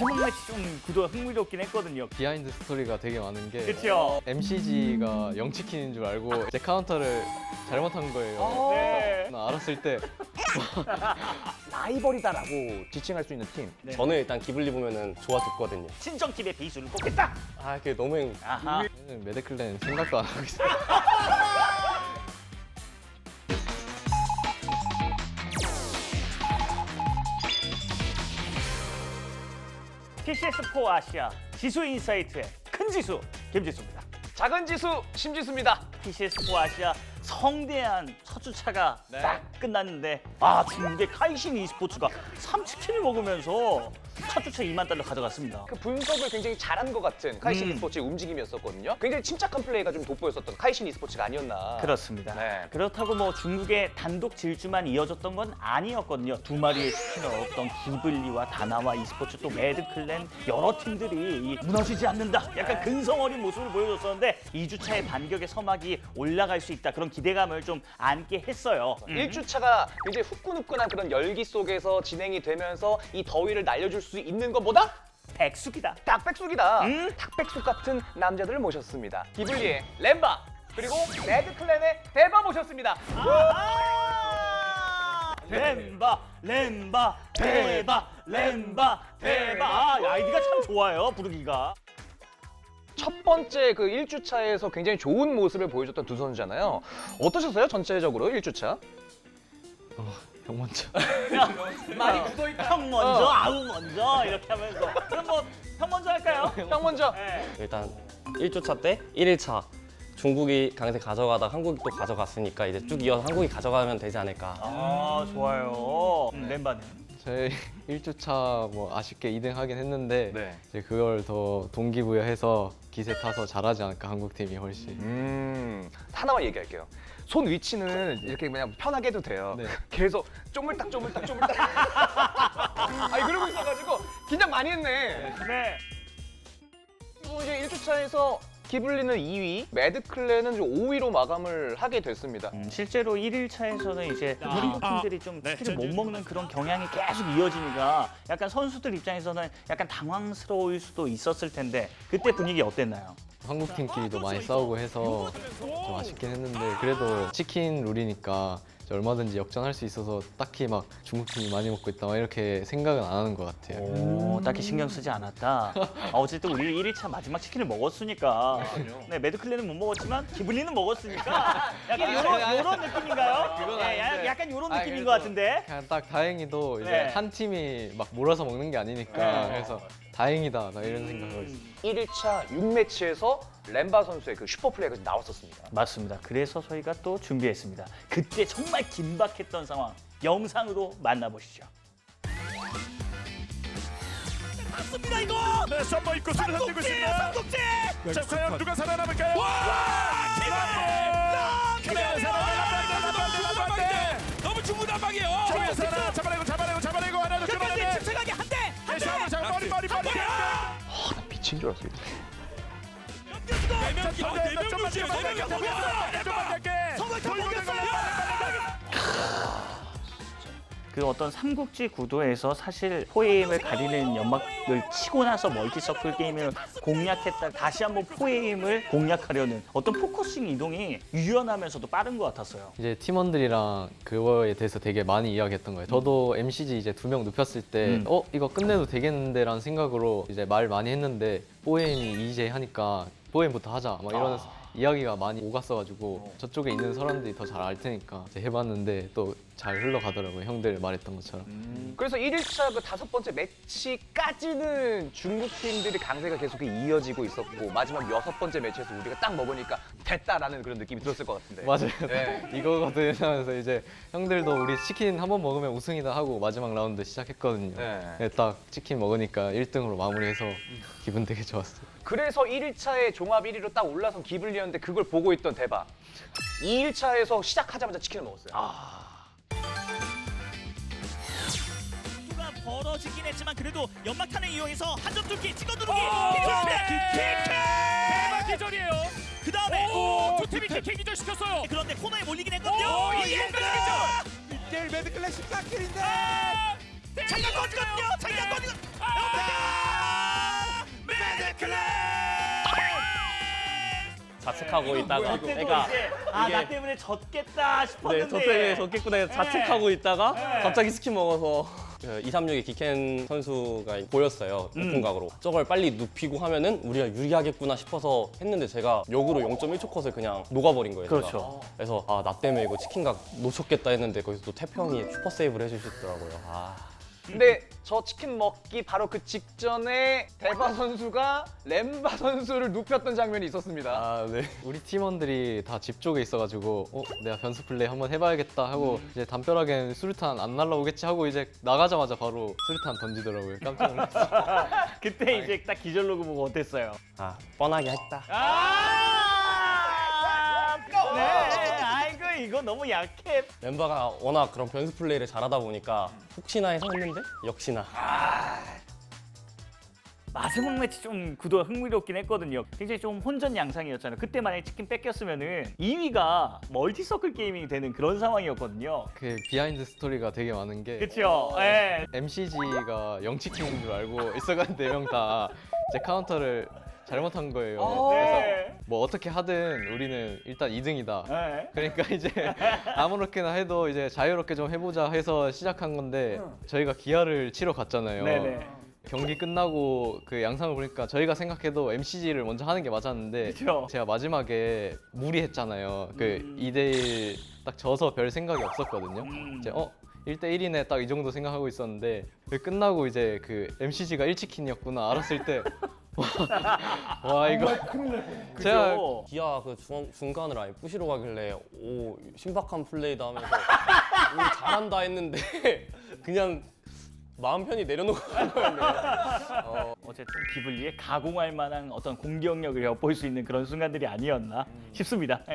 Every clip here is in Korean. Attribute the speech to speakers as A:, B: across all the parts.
A: 마지막 매치 좀 구도가 흥미롭긴 했거든요.
B: 비하인드 스토리가 되게 많은 게
A: 그렇죠.
B: MCG가 영치킨인 줄 알고 제 카운터를 잘못한 거예요.
A: 네.
B: 나 알았을 때
C: 라이벌이다라고 지칭할 수 있는 팀.
A: 네.
D: 저는 일단 기블리 보면은 좋아 죽거든요.
A: 친정팀의 비수를 뽑겠다.
D: 아, 그게 너무
A: 아하.
B: 저는 매드클랜 생각도 안 하고 있어요.
A: PCS4 아시아 지수 인사이트의 큰 지수 김지수입니다.
C: 작은 지수 심지수입니다.
A: PCS4 아시아 성대한 첫 주차가
C: 네.
A: 딱 끝났는데 중국의 카이신 e스포츠가 3치킨을 먹으면서 첫 주차 2만 달러 가져갔습니다.
C: 그 분석을 굉장히 잘한 것 같은 카이신 e스포츠의 움직임이었었거든요. 굉장히 침착한 플레이가 좀 돋보였었던 카이신 e스포츠가 아니었나.
A: 그렇습니다.
C: 네.
A: 그렇다고 뭐 중국의 단독 질주만 이어졌던 건 아니었거든요. 두 마리의 치킨을 얻었던 기블리와 다나와 e스포츠 또 매드클랜 여러 팀들이 무너지지 않는다. 약간 근성 어린 모습을 보여줬었는데 2주차의 반격의 서막이 올라갈 수 있다. 그런 기대감을 좀 안게 했어요.
C: 1주차가 굉장히 후끈후끈한 그런 열기 속에서 진행이 되면서 이 더위를 날려줄 수 있는 것보다
A: 백숙이다.
C: 닭백숙이다. 닭백숙 같은 남자들을 모셨습니다. 기블리의 램바 그리고 매드클랜의 대바 모셨습니다.
A: 렘바, 렘바, 대바, 렘바, 대바. 아이디가 참 좋아요, 부르기가.
C: 첫 번째 그 1주차에서 굉장히 좋은 모습을 보여줬던 두 선수잖아요. 어떠셨어요? 전체적으로 1주차?
B: 형 먼저.
A: 많이 굳어있다. 형 먼저, 아우 먼저 이렇게 하면서. 그럼 뭐 형 먼저 할까요?
C: 형 먼저.
A: 네.
D: 일단 1주차 때 1일차 중국이 강세 가져가다 한국이 또 가져갔으니까 이제 쭉 이어서 한국이 가져가면 되지 않을까.
A: 좋아요. 렘바는.
B: 저희 1주차 뭐 아쉽게 2등 하긴 했는데
C: 네.
B: 이제 그걸 더 동기부여해서 기세 타서 잘하지 않을까 한국팀이 훨씬.
C: 하나만 얘기할게요. 손 위치는 이렇게 그냥 편하게 해도 돼요.
B: 네.
C: 계속 쪼물딱. 아니 그러고 있어가지고 긴장 많이 했네.
A: 네.
C: 그리고 이제 1주차에서 기블리는 2위, 매드클랜은 5위로 마감을 하게 됐습니다.
A: 실제로 1일차에서는 이제 우리 팀들이 좀 치킨을 못 먹는 그런 경향이 계속 이어지니까 약간 선수들 입장에서는 약간 당황스러울 수도 있었을 텐데 그때 분위기 어땠나요?
B: 한국팀끼리도 많이 싸우고 해서 좀 아쉽긴 했는데 그래도 치킨 룰이니까 얼마든지 역전할 수 있어서 딱히 막 중국팀이 많이 먹고 있다 막 이렇게 생각은 안 하는 것 같아요.
A: 딱히 신경 쓰지 않았다. 어쨌든 우리 1일차 마지막 치킨을 먹었으니까. 네, 매드클랜은 못 먹었지만 기블리는 먹었으니까. 약간 요런 느낌인가요?
B: 그건
A: 네,
B: 아닌데.
A: 약간 요런
B: 아니,
A: 느낌인
B: 그래도
A: 것 같은데.
B: 그냥 딱 다행히도 이제
A: 네.
B: 한 팀이 막 몰아서 먹는 게 아니니까
A: 네.
B: 그래서 다행이다 나 이런 생각을 했어요.
C: 1일차 6매치에서 램바 선수의 그 슈퍼플레이가 나왔었습니다.
A: 맞습니다. 그래서 저희가 또 준비했습니다. 그때 정말 긴박했던 상황 영상으로 만나보시죠. 맞습니다 이거.
E: 네, 썸머 입고 수를 흔들고 있습니다.
A: 삼국지.
E: 자, 과연 누가 살아남을까요? 그래, 살아남았다.
F: 너무 중구난방이에요.
E: 저기서 하나 잡아내고 하나 더 끌어내네.
F: 침착하게 한 대.
E: 다시 한번 잡아 머리.
C: 나 미친 줄 알았어요.
A: 그 어떤 삼국지 구도에서 사실 포에임을 가리는 연막을 치고 나서 멀티서클 게임을 공략했다 다시 한번 포에임을 공략하려는 어떤 포커싱 이동이 유연하면서도 빠른 것 같았어요.
B: 이제 팀원들이랑 그거에 대해서 되게 많이 이야기했던 거예요. 저도 MCG 이제 2명 눕혔을 때 이거 끝내도 되겠는데라는 생각으로 이제 말 많이 했는데 뽀에임이 EJ 하니까 뽀에임부터 하자 막 이러면서 이야기가 많이 오갔어가지고 저쪽에 있는 사람들이 더 잘 알 테니까 이제 해봤는데 또 잘 흘러가더라고요. 형들 말했던 것처럼.
C: 그래서 1일차 그 5번째 매치까지는 중국 팀들이 강세가 계속 이어지고 있었고 마지막 6번째 매치에서 우리가 딱 먹으니까 됐다라는 그런 느낌이 들었을 것 같은데.
B: 맞아요.
C: 네.
B: 이거거든 하면서 이제 형들도 우리 치킨 한 번 먹으면 우승이다 하고 마지막 라운드 시작했거든요.
C: 네.
B: 네, 딱 치킨 먹으니까 1등으로 마무리해서 기분 되게 좋았어요.
C: 그래서 1일차에 종합 1위로 딱 올라선 기블리였는데 그걸 보고 있던 대박. 2일차에서 시작하자마자 치킨을 먹었어요.
F: 수가 벌어지긴 했지만 그래도 연막탄을 이용해서 한 점 뚫기 찍어 누르기.
E: 대박 기절이에요.
F: 그 다음에
E: 두 팀이 킥 기절 시켰어요.
F: 그런데 코너에 몰리긴 했거든요.
E: 이게 기절.
G: 1대1 매드클랜 14킬인데
F: 장난 꺼지거든요. 장난 꺼지거든요.
E: 클랜.
D: 자책하고 있다가
A: 그때도
D: 그러니까
A: 이제 나 때문에 졌겠다
D: 네,
A: 싶었는데.
D: 저 때문에 졌겠구나 해서 자책하고 있다가
A: 네.
D: 갑자기 스킨 먹어서 236의 기켄 선수가 보였어요. 오픈각으로. 저걸 빨리 눕히고 하면은 우리가 유리하겠구나 싶어서 했는데 제가 역으로 0.1초 컷을 그냥 녹아버린 거예요. 제가.
A: 그렇죠.
D: 그래서 나 때문에 이거 치킨각 놓쳤겠다 했는데 거기서 또 태평이 슈퍼 세이브를 해주시더라고요.
C: 근데 저 치킨 먹기 바로 그 직전에 대바 선수가 렘바 선수를 눕혔던 장면이 있었습니다.
B: 아, 네. 우리 팀원들이 다 집 쪽에 있어가지고 내가 변수 플레이 한번 해봐야겠다 하고 이제 담벼락엔 수류탄 안 날라오겠지 하고 이제 나가자마자 바로 수류탄 던지더라고요. 깜짝 놀랐어요.
A: 그때 이제 딱 기절 로그 보고 어땠어요?
D: 뻔하게 했다.
A: 네, 아이고 이거 너무 약해.
D: 멤버가 워낙 그런 변수 플레이를 잘하다 보니까 혹시나 해서 했는데 역시나.
A: 마지막 매치 좀 구도가 흥미롭긴 했거든요. 굉장히 좀 혼전 양상이었잖아요. 그때 만약에 치킨 뺏겼으면은 2위가 멀티서클 게이밍이 되는 그런 상황이었거든요.
B: 그 비하인드 스토리가 되게 많은 게
A: 그렇죠. 예.
B: MCG가 영치킨인 줄 알고 있어가지고 4명 다 제 카운터를 잘못한 거예요.
A: 네.
B: 뭐 어떻게 하든 우리는 일단 2등이다.
A: 예.
B: 그러니까 이제 아무렇게나 해도 이제 자유롭게 좀 해보자 해서 시작한 건데 저희가 기아를 치러 갔잖아요.
A: 네네.
B: 경기 끝나고 그 양상을 보니까 저희가 생각해도 MCG를 먼저 하는 게 맞았는데
A: 그쵸.
B: 제가 마지막에 무리했잖아요. 그 2대1 딱 져서 별 생각이 없었거든요. 이제 1대1이네 딱 이 정도 생각하고 있었는데 끝나고 이제 그 MCG가 1치킨이었구나 알았을 때 와 이거 제가
A: 그죠?
D: 기아 그 중간을 아예 부시러 가길래 오 신박한 플레이다 하면서 오 잘한다 했는데 그냥 마음 편히 내려놓고 간 거였네요.
A: 어쨌든 기블리에 가공할 만한 어떤 공격력을 엿볼 수 있는 그런 순간들이 아니었나 싶습니다. 예.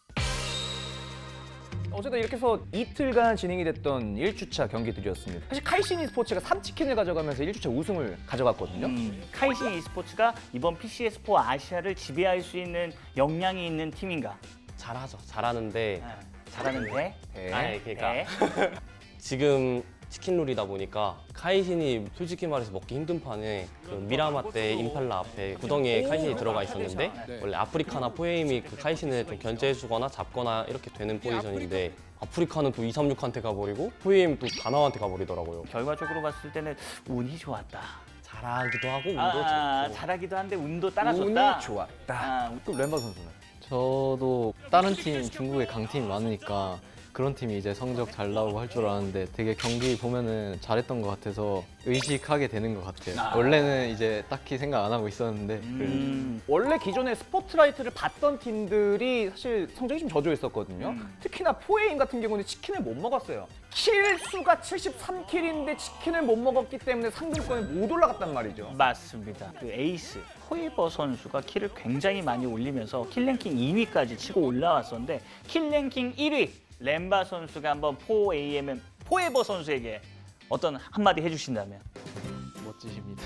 C: 어쨌든 이렇게 해서 이틀간 진행이 됐던 1주차 경기들이었습니다. 사실 카이신 e스포츠가 3치킨을 가져가면서 1주차 우승을 가져갔거든요.
A: 카이신 e스포츠가 이번 PCS4 아시아를 지배할 수 있는 역량이 있는 팀인가?
D: 잘하죠. 잘하는데
A: 잘하는데.
D: 아니 그러니까
A: 네.
D: 지금 치킨룰이다 보니까 카이신이 솔직히 말해서 먹기 힘든 판에 그 미라마 때 임팔라 앞에 구덩이에 카이신이 들어가 있었는데 원래 아프리카나 포에임이 그 카이신을 좀 견제해주거나 잡거나 이렇게 되는 포지션인데 아프리카는 또 236한테 가버리고 포에임 또 다나와한테 가버리더라고요.
A: 결과적으로 봤을 때는 운이 좋았다.
D: 잘하기도 하고 운도 좋고
A: 잘하기도 한데 운도 따라줬다.
C: 운이 좋았다.
A: 아,
C: 그럼 렘바 선수는?
B: 저도 다른 팀 중국에 강팀이 많으니까 그런 팀이 이제 성적 잘 나오고 할 줄 알았는데 되게 경기 보면은 잘했던 것 같아서 의식하게 되는 것 같아요. 원래는 이제 딱히 생각 안 하고 있었는데
C: 원래 기존에 스포트라이트를 봤던 팀들이 사실 성적이 좀 저조했었거든요. 특히나 포에임 같은 경우는 치킨을 못 먹었어요. 킬 수가 73킬인데 치킨을 못 먹었기 때문에 상금권에 못 올라갔단 말이죠.
A: 맞습니다. 그 에이스 호이버 선수가 킬을 굉장히 많이 올리면서 킬랭킹 2위까지 치고 올라왔었는데 킬랭킹 1위 렘바 선수가 한번 포AMM 포에버 선수에게 어떤 한마디 해주신다면?
B: 멋지십니다.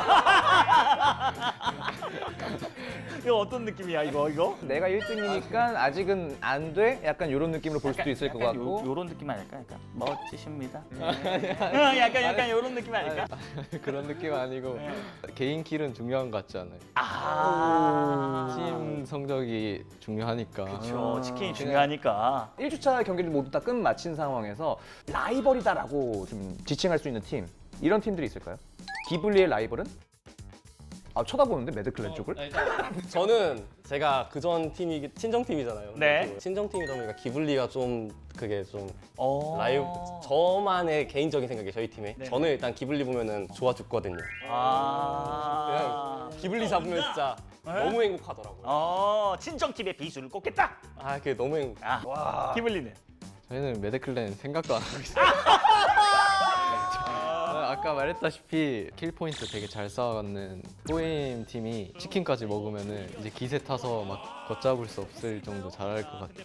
A: 이거 어떤 느낌이야 이거?
C: 내가 1등이니까 아직은 안 돼? 약간 이런 느낌으로 볼 수도 있을 것 같고.
A: 요런 느낌 아닐까? 약간 멋지십니다. 약간 이런 느낌 아닐까?
B: 그런 느낌 아니고 개인 킬은 중요한 것 같지 않아요? 팀 성적이 중요하니까.
A: 그렇죠. 치킨이 중요하니까.
C: 1주차 경기를 모두 다 끝마친 상황에서 라이벌이다라고 좀 지칭할 수 있는 팀 이런 팀들이 있을까요? 기블리의 라이벌은? 쳐다보는데 매드클랜 쪽을?
D: 저는 제가 그전 팀이 친정팀이잖아요.
A: 네.
D: 친정팀이다 보니까 기블리가 좀 그게 좀
A: 어.
D: 라이브 저만의 개인적인 생각이에요. 저희 팀에
A: 네.
D: 저는 일단 기블리 보면은 좋아 죽거든요. 그냥 기블리 잡으면 진짜 너무 행복하더라고요.
A: 친정팀의 비수를 꼽겠다.
D: 그게 너무 행복.
A: 기블리는?
B: 저희는 매드클랜 생각도 안 하고 있어요. 아까 말했다시피 킬 포인트 되게 잘 쌓아가는 포에임 팀이 치킨까지 먹으면은 이제 기세 타서 막 걷잡을 수 없을 정도 잘할 것 같아요.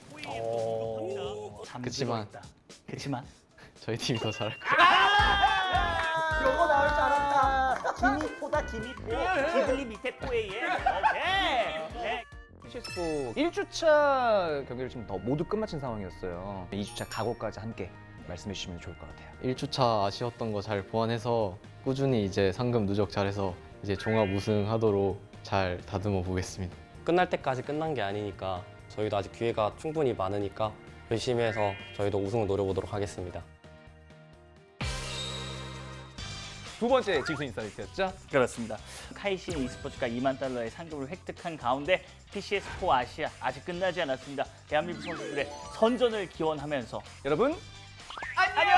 B: 그치만.
A: 그치만
B: 저희 팀이 더 잘할 것 같아요.
A: 요거 나올 줄 알았다. 기미포다 기미포. 기블리 밑에 포에이에. 오케이.
C: PCS4 1주차 경기를 지금 더 모두 끝마친 상황이었어요. 2주차 각오까지 함께 말씀해 주시면 좋을 것 같아요.
B: 1주차 아쉬웠던 거 잘 보완해서 꾸준히 이제 상금 누적 잘해서 이제 종합 우승하도록 잘 다듬어 보겠습니다.
D: 끝날 때까지 끝난 게 아니니까 저희도 아직 기회가 충분히 많으니까 열심히 해서 저희도 우승을 노려보도록 하겠습니다.
C: 두 번째 짐승 인사이트였죠.
A: 그렇습니다. 카이신 e스포츠가 2만 달러의 상금을 획득한 가운데 PCS4 아시아 아직 끝나지 않았습니다. 대한민국 선수들의 선전을 기원하면서
C: 여러분 안녕.